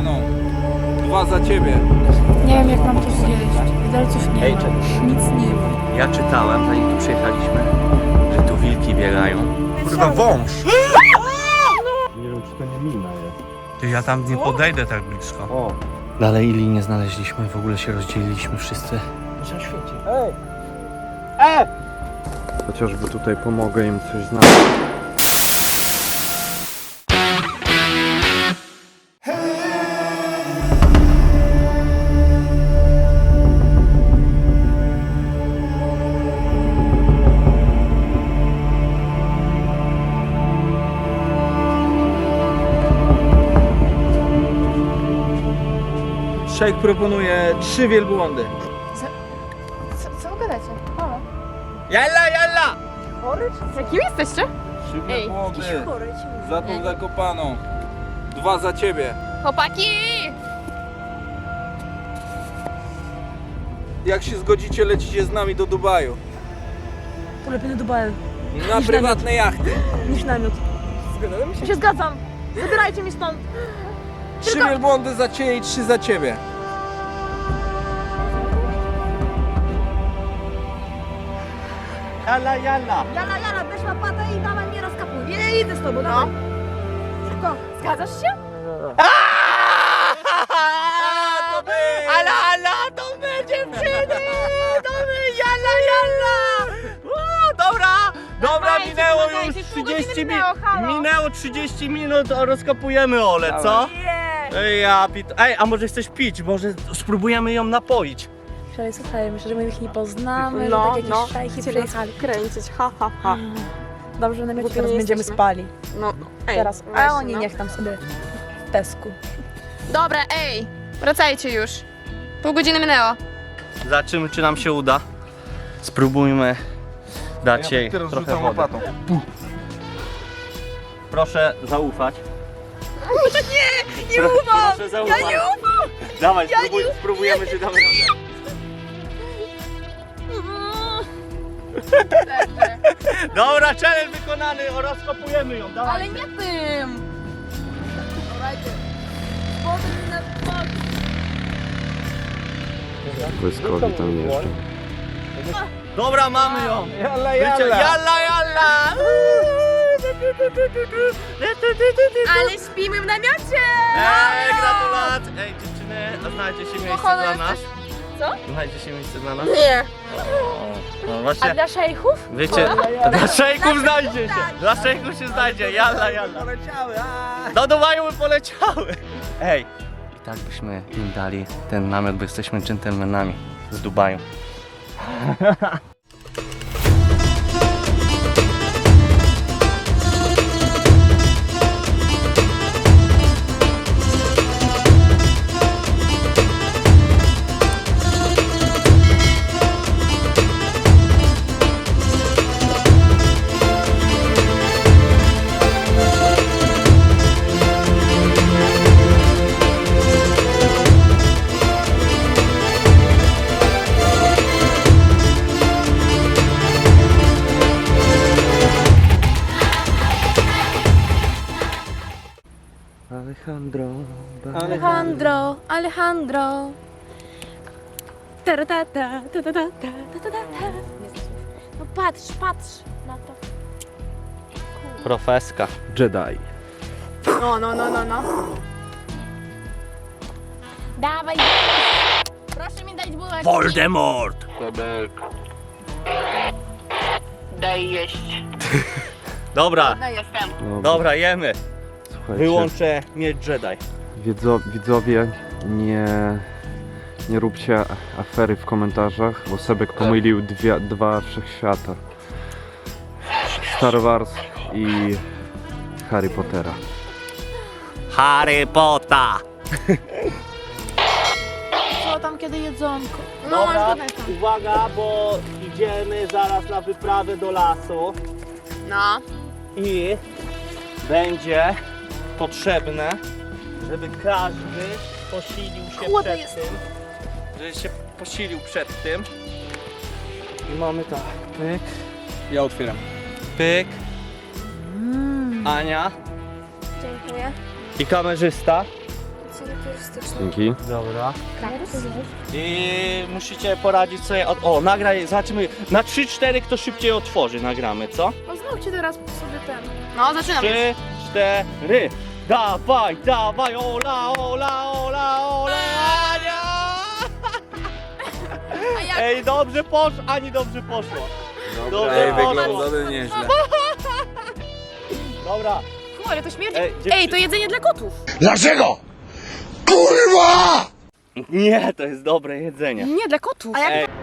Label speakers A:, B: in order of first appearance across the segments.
A: Zakopaną. 2 za ciebie.
B: Nie wiem, jak mam to zjeść. Widelców nie
C: Ej,
B: ma.
C: czekaj.
B: Nic nie ma.
C: Ja czytałem, zanim tu przyjechaliśmy, że tu wilki biegają.
A: Kurwa, wąż.
D: Nie wiem, czy to nie mina jest.
C: Ty, ja tam nie podejdę tak blisko.
D: O,
C: Dalej Ili nie znaleźliśmy, w ogóle się rozdzieliliśmy wszyscy.
D: chociażby tutaj pomogę im coś znaleźć.
A: Szejk proponuje 3 wielbłądy.
B: Co gadacie? Halo?
A: Jalla, jalla!
B: Jakim jesteście?
A: 3 wielbłądy. Za tą Zakopaną. 2 za ciebie.
B: Chłopaki!
A: Jak się zgodzicie, lecicie z nami do Dubaju.
E: Lepiej do Dubaju
A: Na prywatne jachty.
E: niż namiot. Ja się zgadzam. Zabierajcie mi stąd.
A: 3 wielbłądy za ciebie i 3 za ciebie.
C: Jalla, jalla!
E: Jala, weź łapatę i dawaj mnie rozkapuj. Nie idę z tobą, dawaj. Szybko.
B: Zgadzasz się?
C: Ala, to my dziewczyny! To my, jalla! Dobra,
B: Dawajcie,
C: minęło
B: pomagajcie,
C: już
B: pół godziny
C: 30
B: minęło, halo.
C: minęło 30 minut, a rozkopujemy Ole, co? Ej, Ej, a może chcesz pić? Może spróbujemy ją napoić?
E: Słuchaj, myślę, że my ich nie poznamy,
F: No,
E: że tak jakieś szajki przyjechali.
F: kręcić, ha, ha, ha.
E: Dobrze, że na
F: Głupie
E: teraz
F: nie
E: będziemy
F: jesteśmy.
E: spali.
F: No, ej,
E: Teraz.
F: właśnie,
E: A oni
F: no.
E: niech tam sobie w pesku.
B: Dobra, ej! Wracajcie już. Pół godziny minęło.
C: Zobaczymy, czy nam się uda. Spróbujmy dać jej trochę wody. Proszę zaufać. Nie ufam! Proszę zaufać. Ja nie ufam! Dawaj, spróbujemy, czy damy radę. Dobra, challenge wykonany, rozkopujemy ją, dawaj.
B: Ale nie tym!
D: Błyskowi tam jeszcze.
C: Dobra, mamy ją.
A: Jalla,
C: Jalla!
B: Ale śpimy w namiocie!
C: Ej, gratulacje! Ej, dziewczyny, a znajdzie się miejsce dla nas?
B: Co?
C: Znajdzie się miejsce dla nas?
F: Nie.
C: No
E: A
C: właśnie,
E: dla szejchów?
C: wiecie, dla szejków znajdzie się! Dla szejków się znajdzie, jalla!
A: Poleciały,
C: Do Dubaju by poleciały! Ej, i tak byśmy im dali ten namiot, bo jesteśmy dżentelmenami z Dubaju.
E: Alejandro. Taratata, tatatata, tatatata. No patrz na to.
C: Profeska.
D: Jedi.
B: No. Dawaj! Proszę mi dać bułeczki.
C: Voldemort!
F: Daj jeść.
C: Dobra,
F: No jestem.
C: dobra, jemy.
D: Słuchajcie,
C: Wyłączę miecz Jedi.
D: widzowie, nie róbcie afery w komentarzach, bo Sebek pomylił dwa wszechświata. Star Wars i Harry Pottera.
C: Harry Potter!
E: Co tam kiedy jedzonko?
C: Dobra, uwaga, bo idziemy zaraz na wyprawę do lasu
F: No.
C: i będzie potrzebne, żeby każdy posilił się
E: Chłodny
C: przed tym. Żeby się posilił przed tym. I mamy tak, pyk,
A: Ja otwieram.
C: pyk, Ania
E: Dziękuję.
C: i kamerzysta.
B: charakterystyczne.
D: Dzięki.
C: Dobra. I musicie poradzić sobie. Nagraj, zobaczymy. Na 3-4 kto szybciej otworzy, nagramy, co?
B: No znowu teraz sobie ten. No, zaczynam.
C: 3, 4. Dawaj, dawaj, ola, ola, ola, ola, Ania!
B: A jak?
C: Ej, dobrze poszło, Ani dobrze poszło. Dobrze
A: Ej,
C: poszło.
A: wygląda nieźle.
C: Dobra.
B: Ale to śmierdzi.
C: Ej,
B: Ej, to jedzenie dla kotów.
G: Dlaczego? Kurwa!
C: Nie, to jest dobre jedzenie.
B: Nie, dla kotów.
E: A jak
C: Ej.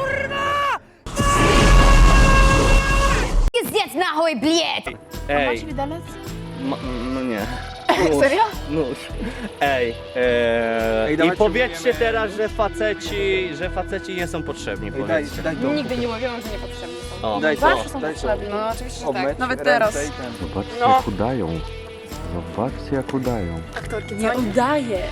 E: Zjedz na chuj, bliet!
C: Ej,
B: Masz widelec?
C: no nie.
B: Serio?
C: Nóż. Ej,
A: Ej,
C: i
A: dawajcie,
C: powiedzcie
A: próbujemy.
C: teraz, że faceci nie są potrzebni, powiedzcie.
A: daj to.
B: Nigdy nie mówiłam, że niepotrzebni są.
C: O.
A: Daj to,
B: Zawsze są
A: daj to.
B: potrzebni. No, oczywiście, że
A: Obmyć
B: tak. Nawet
A: ręce
B: teraz.
A: i ten.
D: Zobaczcie
B: No.
D: jak udają. Zobaczcie jak udają.
B: Aktorki,
E: Nie udaje.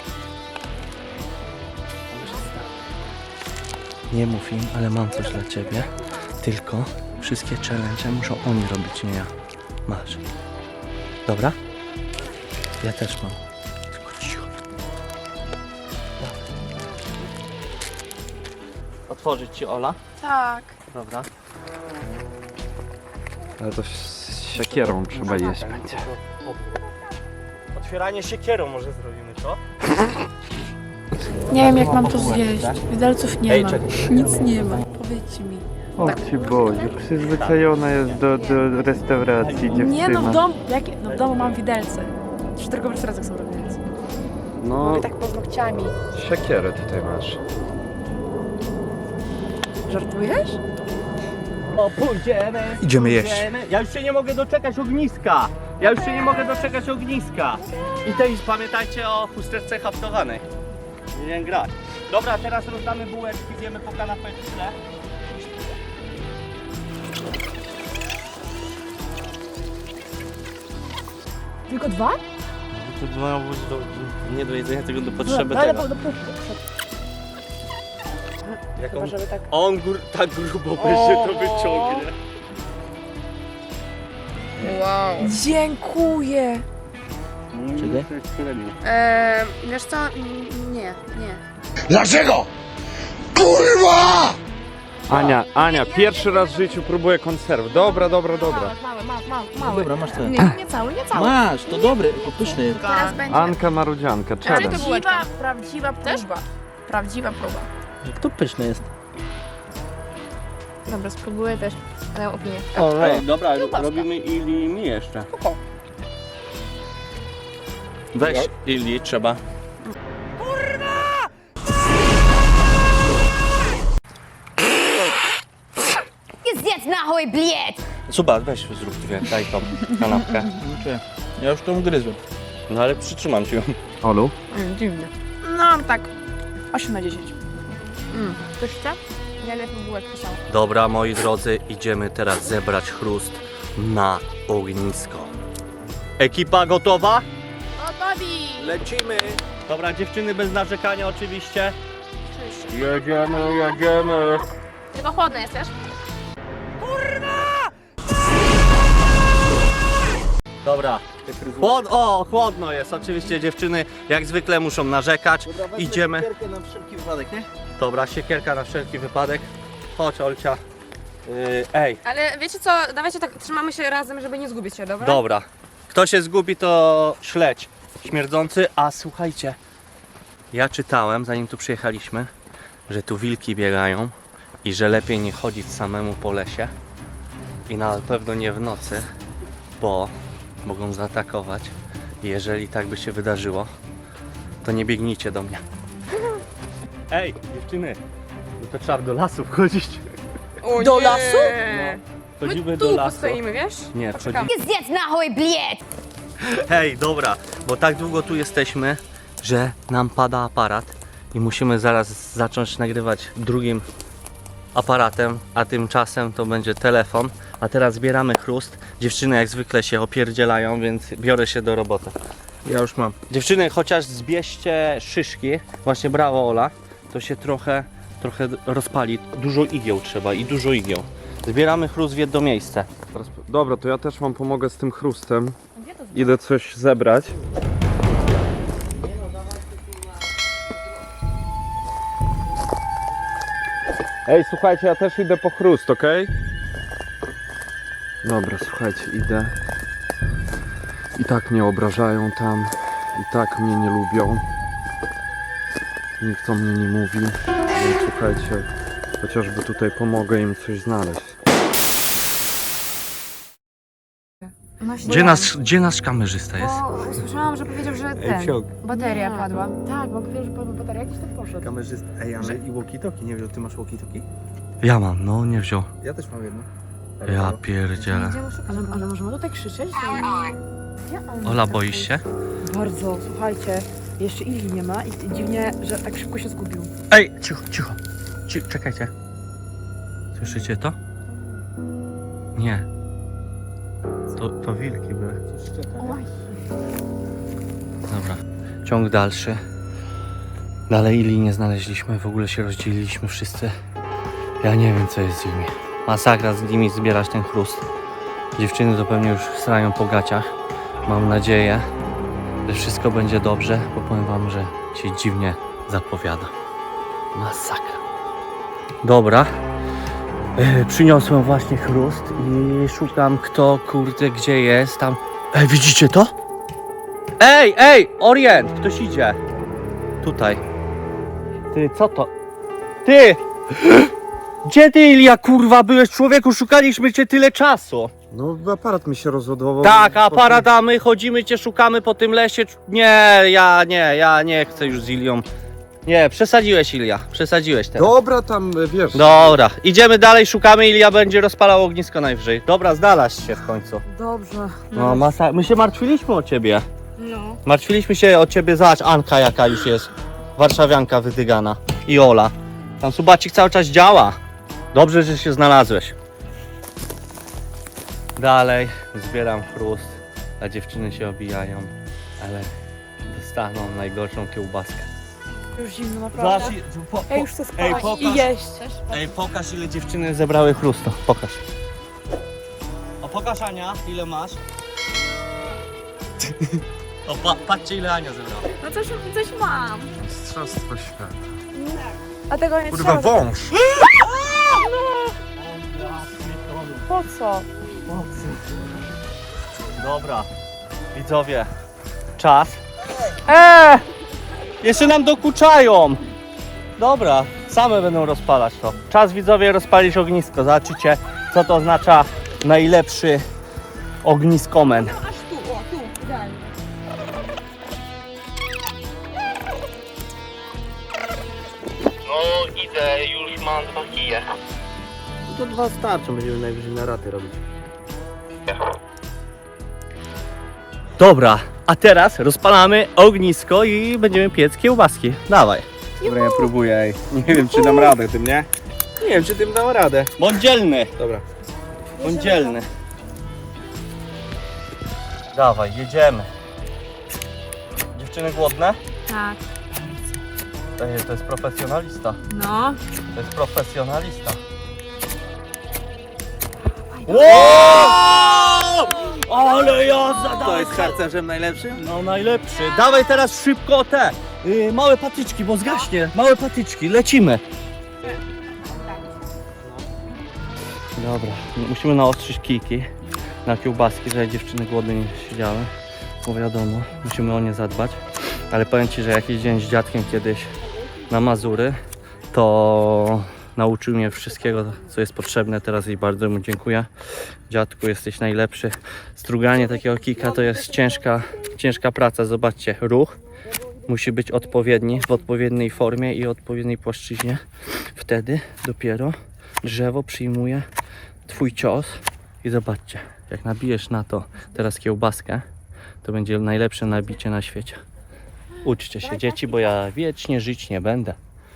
C: Nie mów im, ale mam coś dla ciebie. Tylko wszystkie challenge muszą oni robić, nie ja. Masz. Dobra? Ja też mam. Tylko cicho. Otworzyć ci, Ola?
B: Tak.
C: Dobra.
D: Ale to z siekierą trzeba jeść będzie.
C: Otwieranie siekierą może zrobimy, co?
H: Nie wiem jak mam to zjeść. Widelców nie
C: Ej,
H: ma.
C: czekaj.
H: Nic nie ma. Powiedzcie mi.
D: O ci Boże, przyzwyczajona jest do restauracji dziewczyna.
H: Nie no w domu. No w domu mam widelce. Już tylko w restauracjach są widelce.
D: No,
H: Mogę tak paznokciami.
D: siekierę tutaj masz.
H: Żartujesz?
C: O, pójdziemy.
G: Idziemy jeść.
C: Ja już się nie mogę doczekać ogniska. I też pamiętajcie o chusteczce haftowanej. Nie grać. Dobra, teraz rozdamy bułeczki, zjemy po kanapeczce.
H: Tylko dwa?
C: To mają być nie do jedzenia, tylko do
H: No,
C: potrzeby
H: ale
C: tego. Jak on,
H: żeby tak.
C: on tak grubo będzie to wyciągnie.
B: Wow.
H: Dziękuję.
C: Czekaj.
B: Wiesz co? Nie.
G: Dlaczego? Kurwa!
D: Ania, pierwszy raz w życiu próbuję konserw. Dobra.
H: Mały.
G: Dobra, masz ten.
H: Nie cały.
G: Masz, to dobry, to pyszny.
B: Teraz będzie.
D: Anka Marudzianka, challenge.
H: Prawdziwa próba. Prawdziwa próba.
G: To pyszny jest.
B: Dobra, spróbuję też. Ale opinię.
C: Ej, dobra, robimy Ili mi jeszcze. Weź Ili, trzeba.
E: Zjedz na chuj, bliet!
C: Suba, weź zrób dwie, daj tą kanapkę.
G: Ja już tą gryzłem.
C: No ale przytrzymam ci ją.
D: Olu?
H: Dziwne. No tak. 8 na 10. Ktoś chce? Ja lepiej bułeczkę są.
C: Dobra, moi drodzy, idziemy teraz zebrać chrust na ognisko. Ekipa gotowa?
B: Gotowi!
C: Lecimy! Dobra, dziewczyny bez narzekania oczywiście. Jedziemy.
B: Tylko chłodne jest, wiesz?
C: Dobra. Chłodno jest, oczywiście dziewczyny jak zwykle muszą narzekać. Idziemy.
G: Na wszelki wypadek, nie?
C: Dobra, siekierka na wszelki wypadek. Chodź, Olcia. Ej,
B: Ale wiecie co? Dawajcie tak, trzymamy się razem, żeby nie zgubić się, dobra?
C: dobra. Kto się zgubi, to śledź śmierdzący. A słuchajcie, ja czytałem, zanim tu przyjechaliśmy, że tu wilki biegają i że lepiej nie chodzić samemu po lesie i na pewno nie w nocy, bo mogą zaatakować. I jeżeli tak by się wydarzyło, to nie biegnijcie do mnie. Ej, dziewczyny, no to trzeba do lasu wchodzić.
B: O,
H: Do
B: nie.
H: lasu?
C: Wchodzimy
B: My
C: do
B: tu
C: lasu.
B: postoimy, wiesz?
C: Nie,
B: Poczekamy.
C: wchodzimy.
E: Zjedz na chuj, bliet!
C: Hej, dobra, bo tak długo tu jesteśmy, że nam pada aparat i musimy zaraz zacząć nagrywać drugim aparatem, a tymczasem to będzie telefon. A teraz zbieramy chrust. Dziewczyny jak zwykle się opierdzielają, więc biorę się do roboty.
G: Ja już mam.
C: Dziewczyny, chociaż zbierzcie szyszki, właśnie brawo Ola, to się trochę rozpali. Dużo igieł trzeba i dużo igieł. Zbieramy chrust w jedno miejsce.
D: Dobra, to ja też wam pomogę z tym chrustem. Idę coś zebrać. Ej, słuchajcie, ja też idę po chrust, okej? Dobra, słuchajcie, idę. I tak mnie obrażają tam. I tak mnie nie lubią. Nikt o mnie nie mówi. Więc słuchajcie, chociażby tutaj pomogę im coś znaleźć.
C: Gdzie nasz kamerzysta jest?
H: Bo słyszałam, że powiedział, że bateria padła. Tak, bo powiedział, że padła bateria, jakiś tak poszedł.
G: Kamerzysta. Ej, ale i walkie-talkie, nie wiem, ty masz walkie-talkie?
C: Ja mam, no nie wziął.
G: Ja też mam jedno.
C: Ja pierdzielę.
H: Ale możemy tutaj krzyczeć?
C: Ola, boisz się?
H: Bardzo, słuchajcie. Jeszcze Ili nie ma i dziwnie, że tak szybko się zgubił.
C: Ej, cicho. Czekajcie. Słyszycie to? Nie. To wilki były. Dobra. Ciąg dalszy. Dalej Ili nie znaleźliśmy, w ogóle się rozdzieliliśmy wszyscy. Ja nie wiem, co jest z nimi. Masakra z nimi zbierać ten chrust. Dziewczyny to pewnie już strają po gaciach. Mam nadzieję, że wszystko będzie dobrze, bo powiem wam, że się dziwnie zapowiada. Masakra. Dobra. Przyniosłem właśnie chrust i szukam, kto kurde gdzie jest tam. Ej, widzicie to? Ej, Orient! Ktoś idzie. Tutaj. Ty, co to? Ty! Gdzie ty, Ilia, kurwa, byłeś, człowieku? Szukaliśmy cię tyle czasu.
D: No, aparat mi się rozładował.
C: Tak, aparat, a my chodzimy, cię szukamy po tym lesie. Nie, ja nie chcę już z Ilią. Nie, przesadziłeś, Ilia, przesadziłeś teraz.
D: Dobra, tam wiesz.
C: Dobra, idziemy dalej, szukamy, Ilia będzie rozpalał ognisko najwyżej. Dobra, znalazł się w końcu.
H: Dobrze.
C: No, my się martwiliśmy o ciebie.
H: No.
C: Martwiliśmy się o ciebie, zobacz, Anka jaka już jest. Warszawianka wydygana. I Ola. Tam subacik cały czas działa. Dobrze, że się znalazłeś. Dalej zbieram chrust, a dziewczyny się obijają, ale dostaną najgorszą kiełbaskę.
H: Już zimno, naprawdę. Ja już chcę spać
C: pokaż.
H: i jeść.
C: Ej, pokaż, ile dziewczyny zebrały chrustu. Pokaż. O, pokaż, Ania, ile masz. O, patrzcie, ile Ania zebrała.
H: No coś mam.
D: Mistrzostwo świata.
H: A tego nie
D: Kurwa,
H: trzeba.
D: wąż!
H: Po co?
C: Dobra, widzowie, czas. Jeszcze nam dokuczają. Dobra, same będą rozpalać to. Czas, widzowie, rozpalić ognisko. Zobaczycie, co to oznacza najlepszy ogniskomen. No idę, już mam 2 kije.
G: To 2 starczą, będziemy najwyżej na raty robić.
C: Dobra, a teraz rozpalamy ognisko i będziemy piec kiełbaski. Dawaj.
G: Dobra, ja próbuję, ej. Nie wiem, czy dam radę tym, nie? Nie wiem, czy tym dam radę.
C: Bądź dzielny.
G: Dobra.
C: Bądź dzielny. Dawaj, jedziemy. Dziewczyny głodne?
H: Tak.
C: To jest profesjonalista.
H: No.
C: To jest profesjonalista. Wow! Ale jazda!
G: To jest harcerzem najlepszym?
C: No najlepszy. Dawaj teraz szybko te małe patyczki, bo zgaśnie. Małe patyczki, lecimy. Dobra, musimy naostrzyć kijki na kiełbaski, żeby dziewczyny głodne nie siedziały. Bo wiadomo, musimy o nie zadbać. Ale powiem Ci, że jak jeździłem z dziadkiem kiedyś na Mazury, to nauczył mnie wszystkiego, co jest potrzebne. Teraz i bardzo mu dziękuję. Dziadku, jesteś najlepszy. Struganie takiego kika to jest ciężka praca. Zobaczcie, ruch musi być odpowiedni, w odpowiedniej formie i odpowiedniej płaszczyźnie. Wtedy dopiero drzewo przyjmuje Twój cios. I zobaczcie, jak nabijesz na to teraz kiełbaskę, to będzie najlepsze nabicie na świecie. Uczcie się, dzieci, bo ja wiecznie żyć nie będę.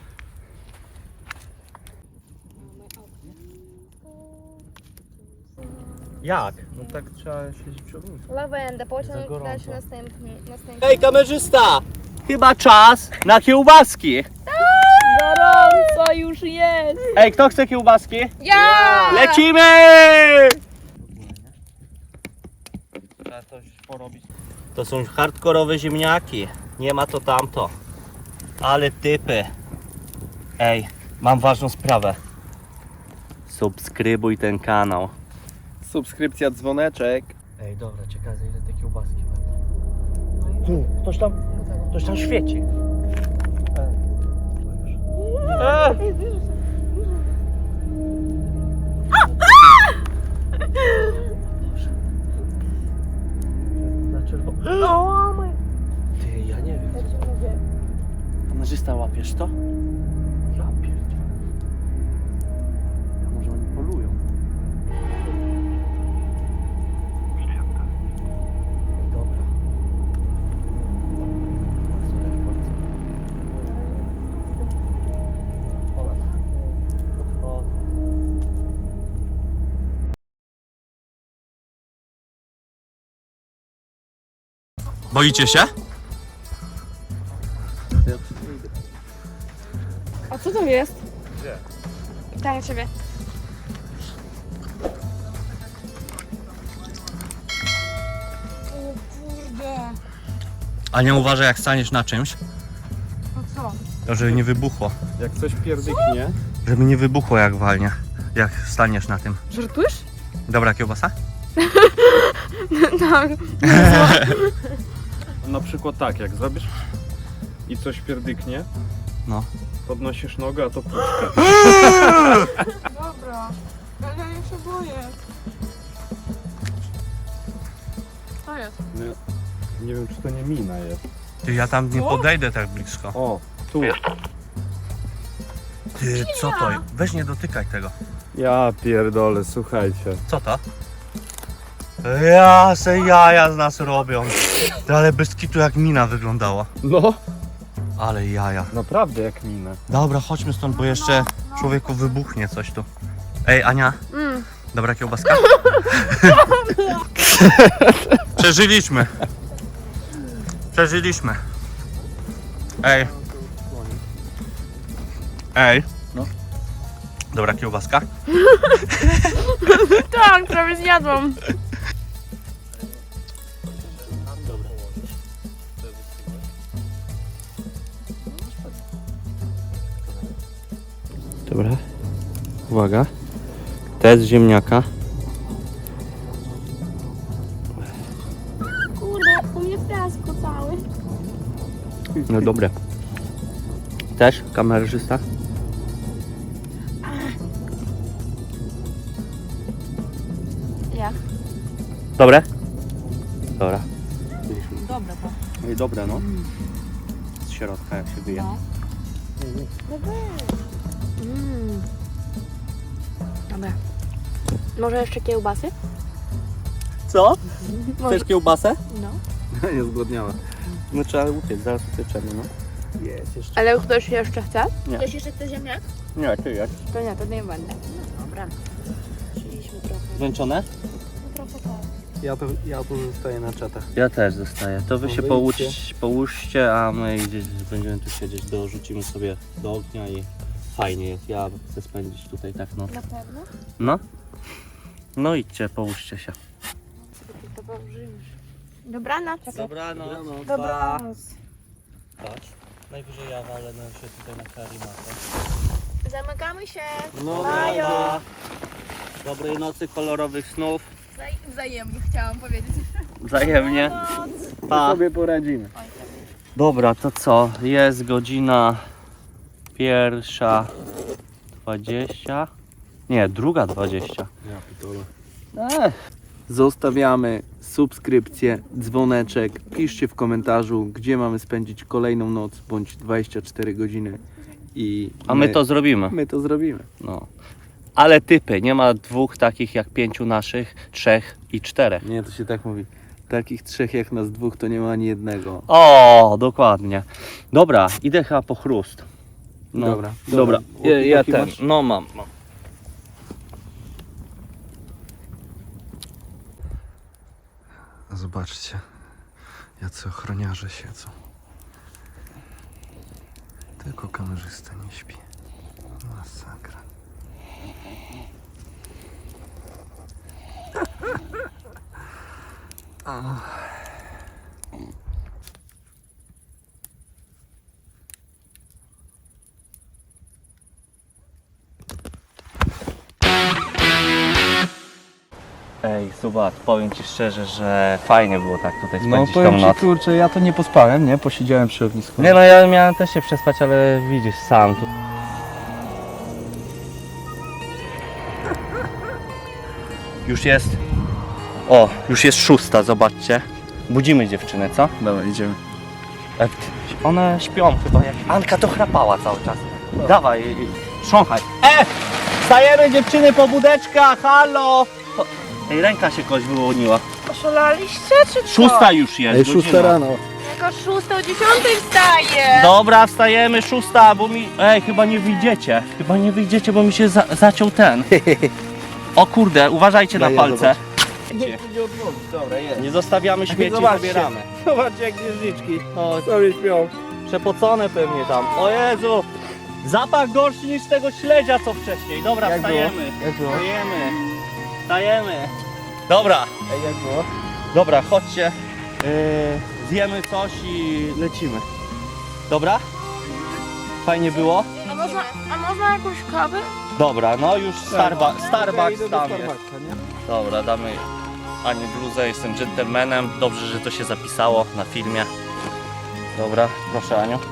C: Jak?
G: No tak trzeba siedzieć przy ognisku.
B: Lawendę, pociąg
C: gorąco.
B: dalszy następny.
C: Ej, kamerzysta! Chyba czas na kiełbaski!
H: Gorąco już jest.
C: Ej, kto chce kiełbaski?
B: Ja!
C: Lecimy! Trzeba coś porobić. To są hardkorowe ziemniaki. Nie ma to tamto. Ale typy. Ej, mam ważną sprawę. Subskrybuj ten kanał.
G: Subskrypcja, dzwoneczek.
C: Ej, dobra, ciekawe ile te kiełbaski będą. Ktoś tam świeci. Ty, ja nie wiem. Kamerzysta, łapiesz to? Ja pierdzielę. A może oni polują? Dobra. Boicie się?
B: A co to jest? Pytanie ciebie.
C: A nie uważaj, jak staniesz na czymś,
H: No co?
C: to żeby nie wybuchło.
G: Jak coś pierdyknie.
C: Żeby nie wybuchło jak walnie, jak staniesz na tym.
H: Żartujesz?
C: Dobra kiełbasa?
B: Tak.
G: Na przykład tak, jak zrobisz i coś pierdyknie,
C: No.
G: podnosisz nogę, a to puszka.
H: Dobra. Ale ja się boję. Co jest?
G: Nie wiem, czy to nie mina jest.
C: Ty, ja tam nie podejdę tak blisko.
G: O, tu.
C: Ty, co to? Weź nie dotykaj tego.
G: Ja pierdolę, słuchajcie.
C: Co to? Ja se jaja z nas robią. Ty, ale bez kitu jak mina wyglądała.
G: No,
C: Ale jaja.
G: naprawdę jak mina.
C: Dobra, chodźmy stąd, bo jeszcze człowieku wybuchnie coś tu. Ej, Ania, dobra kiełbaska? Przeżyliśmy. Przeżyliśmy. Ej. Ej.
G: No.
C: Dobra kiełbaska?
B: Tak, prawie zjadłam.
C: Dobra. Uwaga. Test ziemniaka.
B: Kurde, u mnie w piasku cały.
C: No dobre. Też kamerzysta?
B: Jak?
C: Dobre? Dobra.
H: Dobra, to.
C: No i dobre, no. Z środka jak się wyje.
B: Dobra. Może jeszcze kiełbasy?
C: Co?
B: Może...
C: Chcesz kiełbasę?
B: No.
G: Nie zgłodniała.
C: No trzeba upiec, zaraz upieczemy, no. Jest jeszcze.
B: Ale ktoś jeszcze chce?
C: Nie.
B: Ktoś jeszcze chce ziemniak?
C: Nie, ty jedz.
B: To nie, to nie będę. Dobra. Chcieliśmy trochę.
C: Zmęczone?
B: Trochę tak.
G: Ja tu zostaję na czatach.
C: Ja też zostaję. To wy
G: No
C: się
G: wyjdźcie.
C: połóżcie, a my gdzieś będziemy tu siedzieć, dorzucimy sobie do ognia i fajnie jest. Ja chcę spędzić tutaj tak noc.
B: Na pewno?
C: No. No idźcie, połóżcie się.
B: To położymy. Dobranoc.
C: Dobranoc.
B: Dobranoc.
C: Chodź. Najwyżej ja walę się tutaj na karimatę.
B: Zamykamy się.
C: No
B: Bajo.
C: Dobrej nocy, kolorowych snów.
B: Wzajemnie chciałam powiedzieć.
C: Wzajemnie. Pa.
G: Sobie poradzimy.
C: Dobra, to co? Jest godzina 1:20. Nie, 2:20.
G: Ja pitole.
A: Zostawiamy subskrypcję, dzwoneczek. Piszcie w komentarzu, gdzie mamy spędzić kolejną noc bądź 24 godziny. I
C: A my to zrobimy.
A: my to zrobimy.
C: No. Ale typy, nie ma dwóch takich jak 5 naszych, 3 i 4.
A: Nie, to się tak mówi. Takich trzech jak nas dwóch to nie ma ani jednego.
C: O, dokładnie. Dobra, idę chyba po chrust. No.
A: Dobra,
C: Dobra.
A: dobra.
C: Ja
A: Walkie-talkie
C: ten.
A: masz?
C: No mam.
D: Zobaczcie, jacy ochroniarze siedzą. Tylko kamerzysta nie śpi. Masakra.
C: Subat, powiem Ci szczerze, że fajnie było tak tutaj
A: No
C: spędzić tą
A: powiem Ci,
C: noc.
A: kurczę, ja to nie pospałem, nie? Posiedziałem przy ognisku.
C: Nie no, ja miałem też się przespać, ale widzisz sam tu. Już jest... O, już jest 6, zobaczcie. Budzimy dziewczynę, co?
A: Dobra, idziemy.
C: One śpią chyba jak... Anka to chrapała cały czas. Dawaj, trząchaj. Stajemy dziewczyny po budeczkach, halo! Ej, ręka się kogoś wyłoniła.
H: Oszalaliście czy co?
C: 6 już jest,
A: Ej, 6
C: godzina.
A: rano.
H: Jako 6 o 10 wstaje.
C: Dobra, wstajemy, 6, bo mi... Ej, chyba nie wyjdziecie. Chyba nie wyjdziecie, bo mi się zaciął ten. O kurde, uważajcie na
A: Daj, ja
C: palce.
A: Nie odmówić, dobra, jest.
C: Nie zostawiamy śmieci,
A: Zobaczcie.
C: zabieramy.
A: Zobaczcie jak księżniczki
C: O,
A: sobie śpią.
C: przepocone pewnie tam. O Jezu! Zapach gorszy niż tego śledzia co wcześniej. Dobra,
A: Jak
C: wstajemy.
A: Jak było?
C: Wstajemy. Wstajemy. Dobra,
A: Ej, jak było?
C: dobra, chodźcie. Zjemy coś i lecimy. Dobra? Fajnie było?
H: A można jakąś kawę?
C: Dobra, no już Starbucks
A: Idę do
C: tam jest.
A: Starbucksa, nie?
C: Dobra, damy Ani bluzę, jestem dżentelmenem. Dobrze, że to się zapisało na filmie. Dobra, proszę Aniu.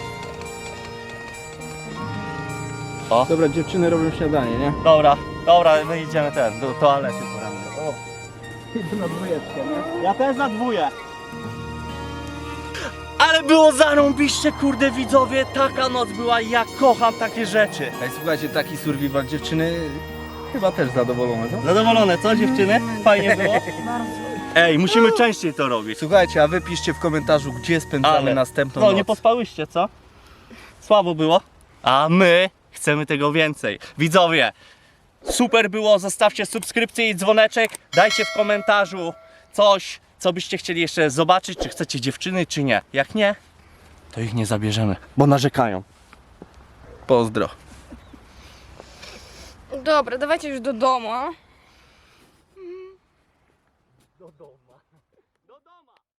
C: O,
A: Dobra, dziewczyny robią śniadanie, nie?
C: dobra, my idziemy do toalety porannej. O,
A: Idę na dwójeczkę, nie?
C: ja też na dwóję. Ale było zarąbiście, kurde widzowie, taka noc była, ja kocham takie rzeczy.
A: Ej, słuchajcie, taki survival dziewczyny chyba też zadowolone, co?
C: Zadowolone, co dziewczyny? Fajnie było? Ej, musimy częściej to robić.
A: Słuchajcie, a wy piszcie w komentarzu, gdzie spędzamy
C: Ale-
A: następną
C: No,
A: noc.
C: nie pospałyście, co? Słabo było? A my chcemy tego więcej. Widzowie, super było, zostawcie subskrypcję i dzwoneczek, dajcie w komentarzu coś, co byście chcieli jeszcze zobaczyć, czy chcecie dziewczyny, czy nie. Jak nie, to ich nie zabierzemy, bo narzekają.
A: Pozdro.
B: Dobra, dawajcie już do domu.
C: Do domu. Do domu.